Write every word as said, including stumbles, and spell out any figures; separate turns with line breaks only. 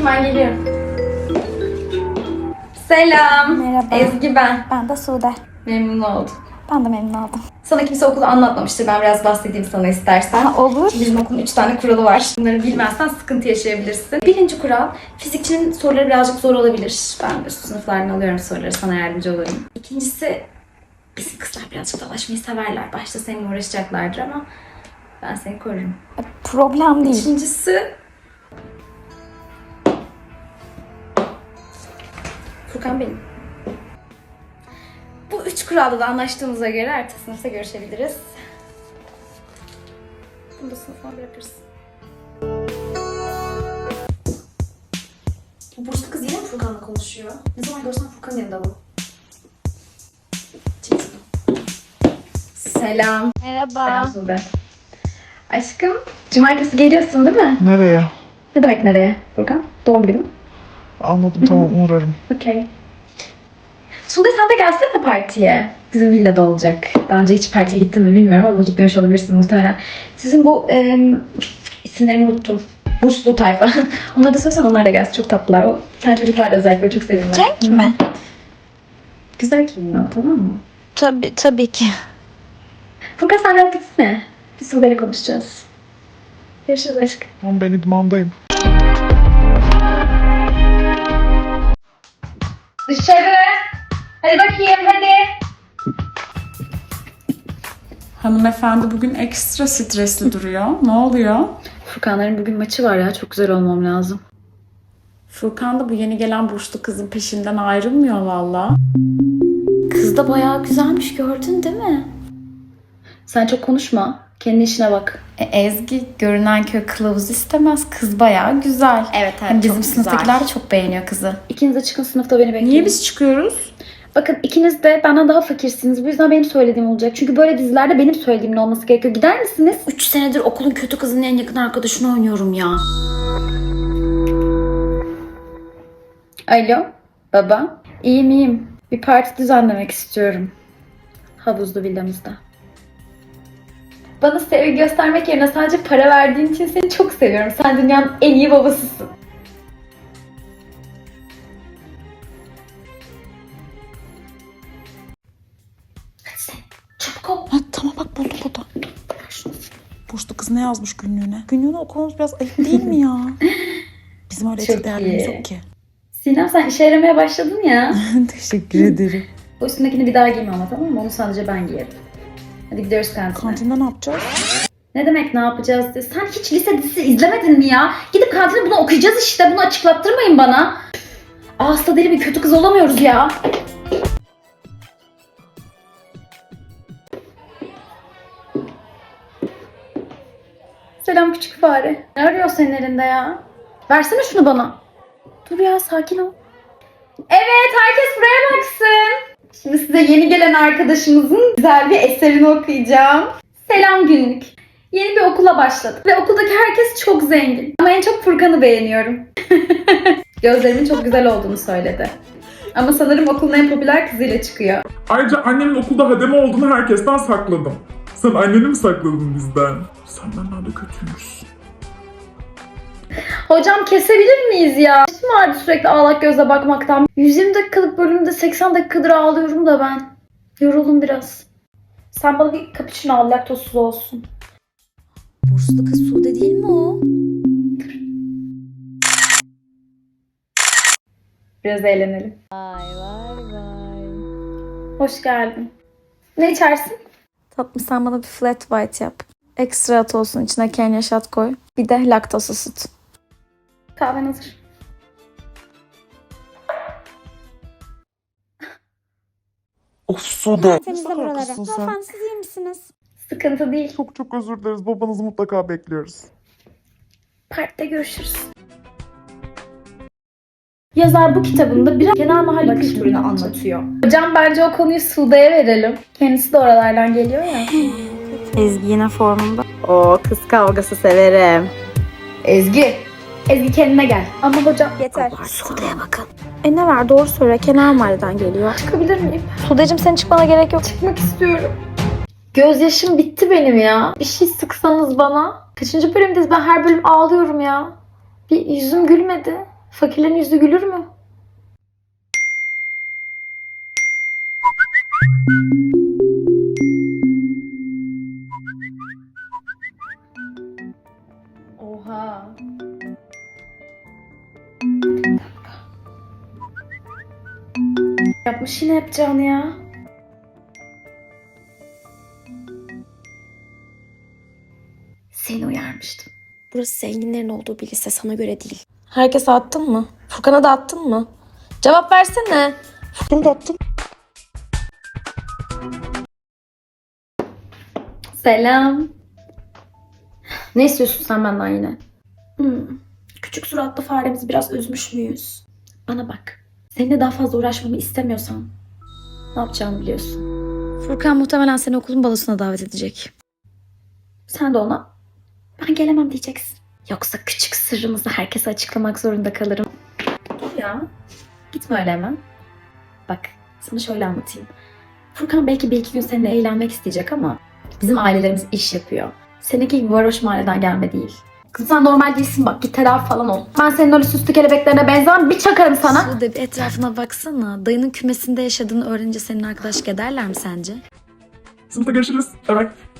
bakayım, ben geliyorum. Selam.
Merhaba.
Ezgi ben.
Ben de Sude.
Memnun oldum.
Ben de memnun oldum.
Sana kimse okulu anlatmamıştır. Ben biraz bahsedeyim sana istersen.
Ha, olur.
Bizim okulun üç tane kuralı var. Bunları bilmezsen sıkıntı yaşayabilirsin. Birinci kural, fizikçinin soruları birazcık zor olabilir. Ben üst sınıflardan alıyorum soruları, sana yardımcı olurum. İkincisi, bizim kızlar birazcık dalaşmayı severler. Başta seninle uğraşacaklardır ama ben seni korurum.
Problem değil.
İkincisi... Furkan benim. Bu üç kuralda da anlaştığımıza göre ertesi sınıfta görüşebiliriz. Bunu da sınıfıma bırakırız. Bu burslu kız yine mi Furkan'la konuşuyor? Ne zaman görsem Furkan'ın yanında bu. Çek şunu. Selam.
Merhaba.
Selam Sude. Aşkım, cumartesi geliyorsun değil mi?
Nereye?
Ne demek nereye Furkan? Doğum günü mü?
Anladım, tamam, uğrarım.
Okey. Sude sen de gelsene partiye. Bizim villada olacak. Daha önce hiç partiye gittin mi bilmiyorum ama gitmemiş olabilirsin muhtemelen. Sizin bu e, isimlerini unuttum. Burslu tayfa. Onları da söylesen onlar da gelsin. Çok tatlılar. O sen çocuklar da özellikle çok seviyorlar.
Cenk mi?
Güzel giyiniyor, tamam mı?
Tabii, tabii ki.
Furkan sen rahat gitsene. Biz Sude'yle konuşacağız. Görüşürüz aşkım.
Tamam, ben idmandayım.
Dışarı. Hadi bakayım hadi.
Hanımefendi bugün ekstra stresli duruyor. Ne oluyor?
Furkanların bugün maçı var ya. Çok güzel olmam lazım.
Furkan da bu yeni gelen burslu kızın peşinden ayrılmıyor valla.
Kız da bayağı güzelmiş, gördün değil mi? Sen çok konuşma. Kendi işine bak.
E, Ezgi görünen köy kılavuz istemez. Kız bayağı güzel.
Evet, evet,
Hem
çok
bizim
güzel.
sınıftakiler de çok beğeniyor kızı.
İkiniz de çıkın, sınıfta beni bekleyin.
Niye biz çıkıyoruz?
Bakın ikiniz de benden daha fakirsiniz. Bu yüzden benim söylediğim olacak. Çünkü böyle dizilerde benim söylediğimin olması gerekiyor. Gider misiniz?
Üç senedir okulun kötü kızının en yakın arkadaşını oynuyorum ya.
Alo baba. İyiyim iyiyim. Bir parti düzenlemek istiyorum. Havuzlu villamızda. Bana sevgi göstermek yerine sadece para verdiğin için seni çok seviyorum. Sen dünyanın en iyi babasısın. Hadi sen çabuk ol.
Ha, tamam bak buldum burada. Burslu kız ne yazmış günlüğüne? Günlüğünü okumamız biraz ayıp değil mi ya? Bizim öyle
Çok
etik değerlerimiz
iyi.
yok ki.
Sinem sen işe yaramaya başladın ya.
Teşekkür ederim.
O üstündekini bir daha giyme ama, tamam mı? Onu sadece ben giyerim. Hadi gidiyoruz kantine.
Kantinde ne yapacağız?
Ne demek ne yapacağız diye. Sen hiç lise dizisi izlemedin mi ya? Gidip kantine bunu okuyacağız işte. Bunu açıklattırmayın bana. Ağızda deli bir kötü kız olamıyoruz ya. Selam küçük fare. Ne arıyor senin elinde ya? Versene şunu bana. Dur ya, sakin ol. Evet, herkes buraya baksın. Şimdi size yeni gelen arkadaşımızın güzel bir eserini okuyacağım. Selam günlük. Yeni bir okula başladık ve okuldaki herkes çok zengin. Ama en çok Furkan'ı beğeniyorum. Gözlerimin çok güzel olduğunu söyledi. Ama sanırım okulun en popüler kızıyla çıkıyor.
Ayrıca annemin okulda hademe olduğunu herkesten sakladım. Sen anneni mi sakladın bizden? Sen benden de kötüymüşsün.
Hocam kesebilir miyiz ya? Başım ağrıdı sürekli ağlak gözle bakmaktan. yüz yirmi dakikalık bölümde seksen dakikadır ağlıyorum da ben. Yoruldum biraz. Sen bana bir cappuccino al, laktozsuz olsun.
Burslu kız Sude değil mi o?
Biraz eğlenelim.
Vay vay vay.
Hoş geldin. Ne içersin?
Tatlım sen bana bir flat white yap. Ekstra at olsun, içine Kenya shot koy. Bir de laktozsuz süt.
Kahven hazır.
Of Sude.
Temizle buraları. Lütfen siz iyi misiniz?
Sıkıntı değil.
Çok çok özür dileriz. Babanızı mutlaka bekliyoruz.
Partide görüşürüz. Yazar bu kitabında biraz genel mahalle kültürünü anlatıyor. Hocam bence o konuyu Sude'ye verelim. Kendisi de oralardan geliyor ya.
Ezgi yine formunda.
O kız kavgası severim. Ezgi. Ezgi kendine gel. Ama hocam...
Yeter. Sude'ye bakın. E ne var, doğru söyle. Kenar mahalleden geliyor.
Çıkabilir miyim?
Sudeciğim senin çıkmana gerek yok.
Çıkmak istiyorum. Gözyaşım bitti benim ya. Bir şey sıksanız bana. Kaçıncı bölümdeyiz? Ben her bölüm ağlıyorum ya. Bir yüzüm gülmedi. Fakirlerin yüzü gülür mü? Oha. Yapmış yine yapacağını ya. Seni uyarmıştım.
Burası zenginlerin olduğu bir lise, sana göre değil. Herkese attın mı? Furkan'a da attın mı? Cevap versene. Furkan'a da attın.
Selam. Ne istiyorsun sen benden yine? Hmm. Küçük suratlı faremizi biraz üzmüş müyüz? Bana bak. Seninle daha fazla uğraşmamı istemiyorsan ne yapacağımı biliyorsun.
Furkan muhtemelen seni okulun balosuna davet edecek.
Sen de ona ben gelemem diyeceksin. Yoksa küçük sırrımızı herkese açıklamak zorunda kalırım. Dur ya. Gitme öyle hemen. Bak sana şöyle anlatayım. Furkan belki bir iki gün seninle eğlenmek isteyecek ama bizim ailelerimiz iş yapıyor. Seninki gibi varoş mahalleden gelme değil. Kızım sen normal değilsin bak git tedavi falan ol. Ben senin öyle süslü kelebeklerine benzemem bir çakarım sana.
Sude bir etrafına baksana. Dayının kümesinde yaşadığını öğrenince senin arkadaşlık ederler mi sence?
Sınıfta görüşürüz. Evet.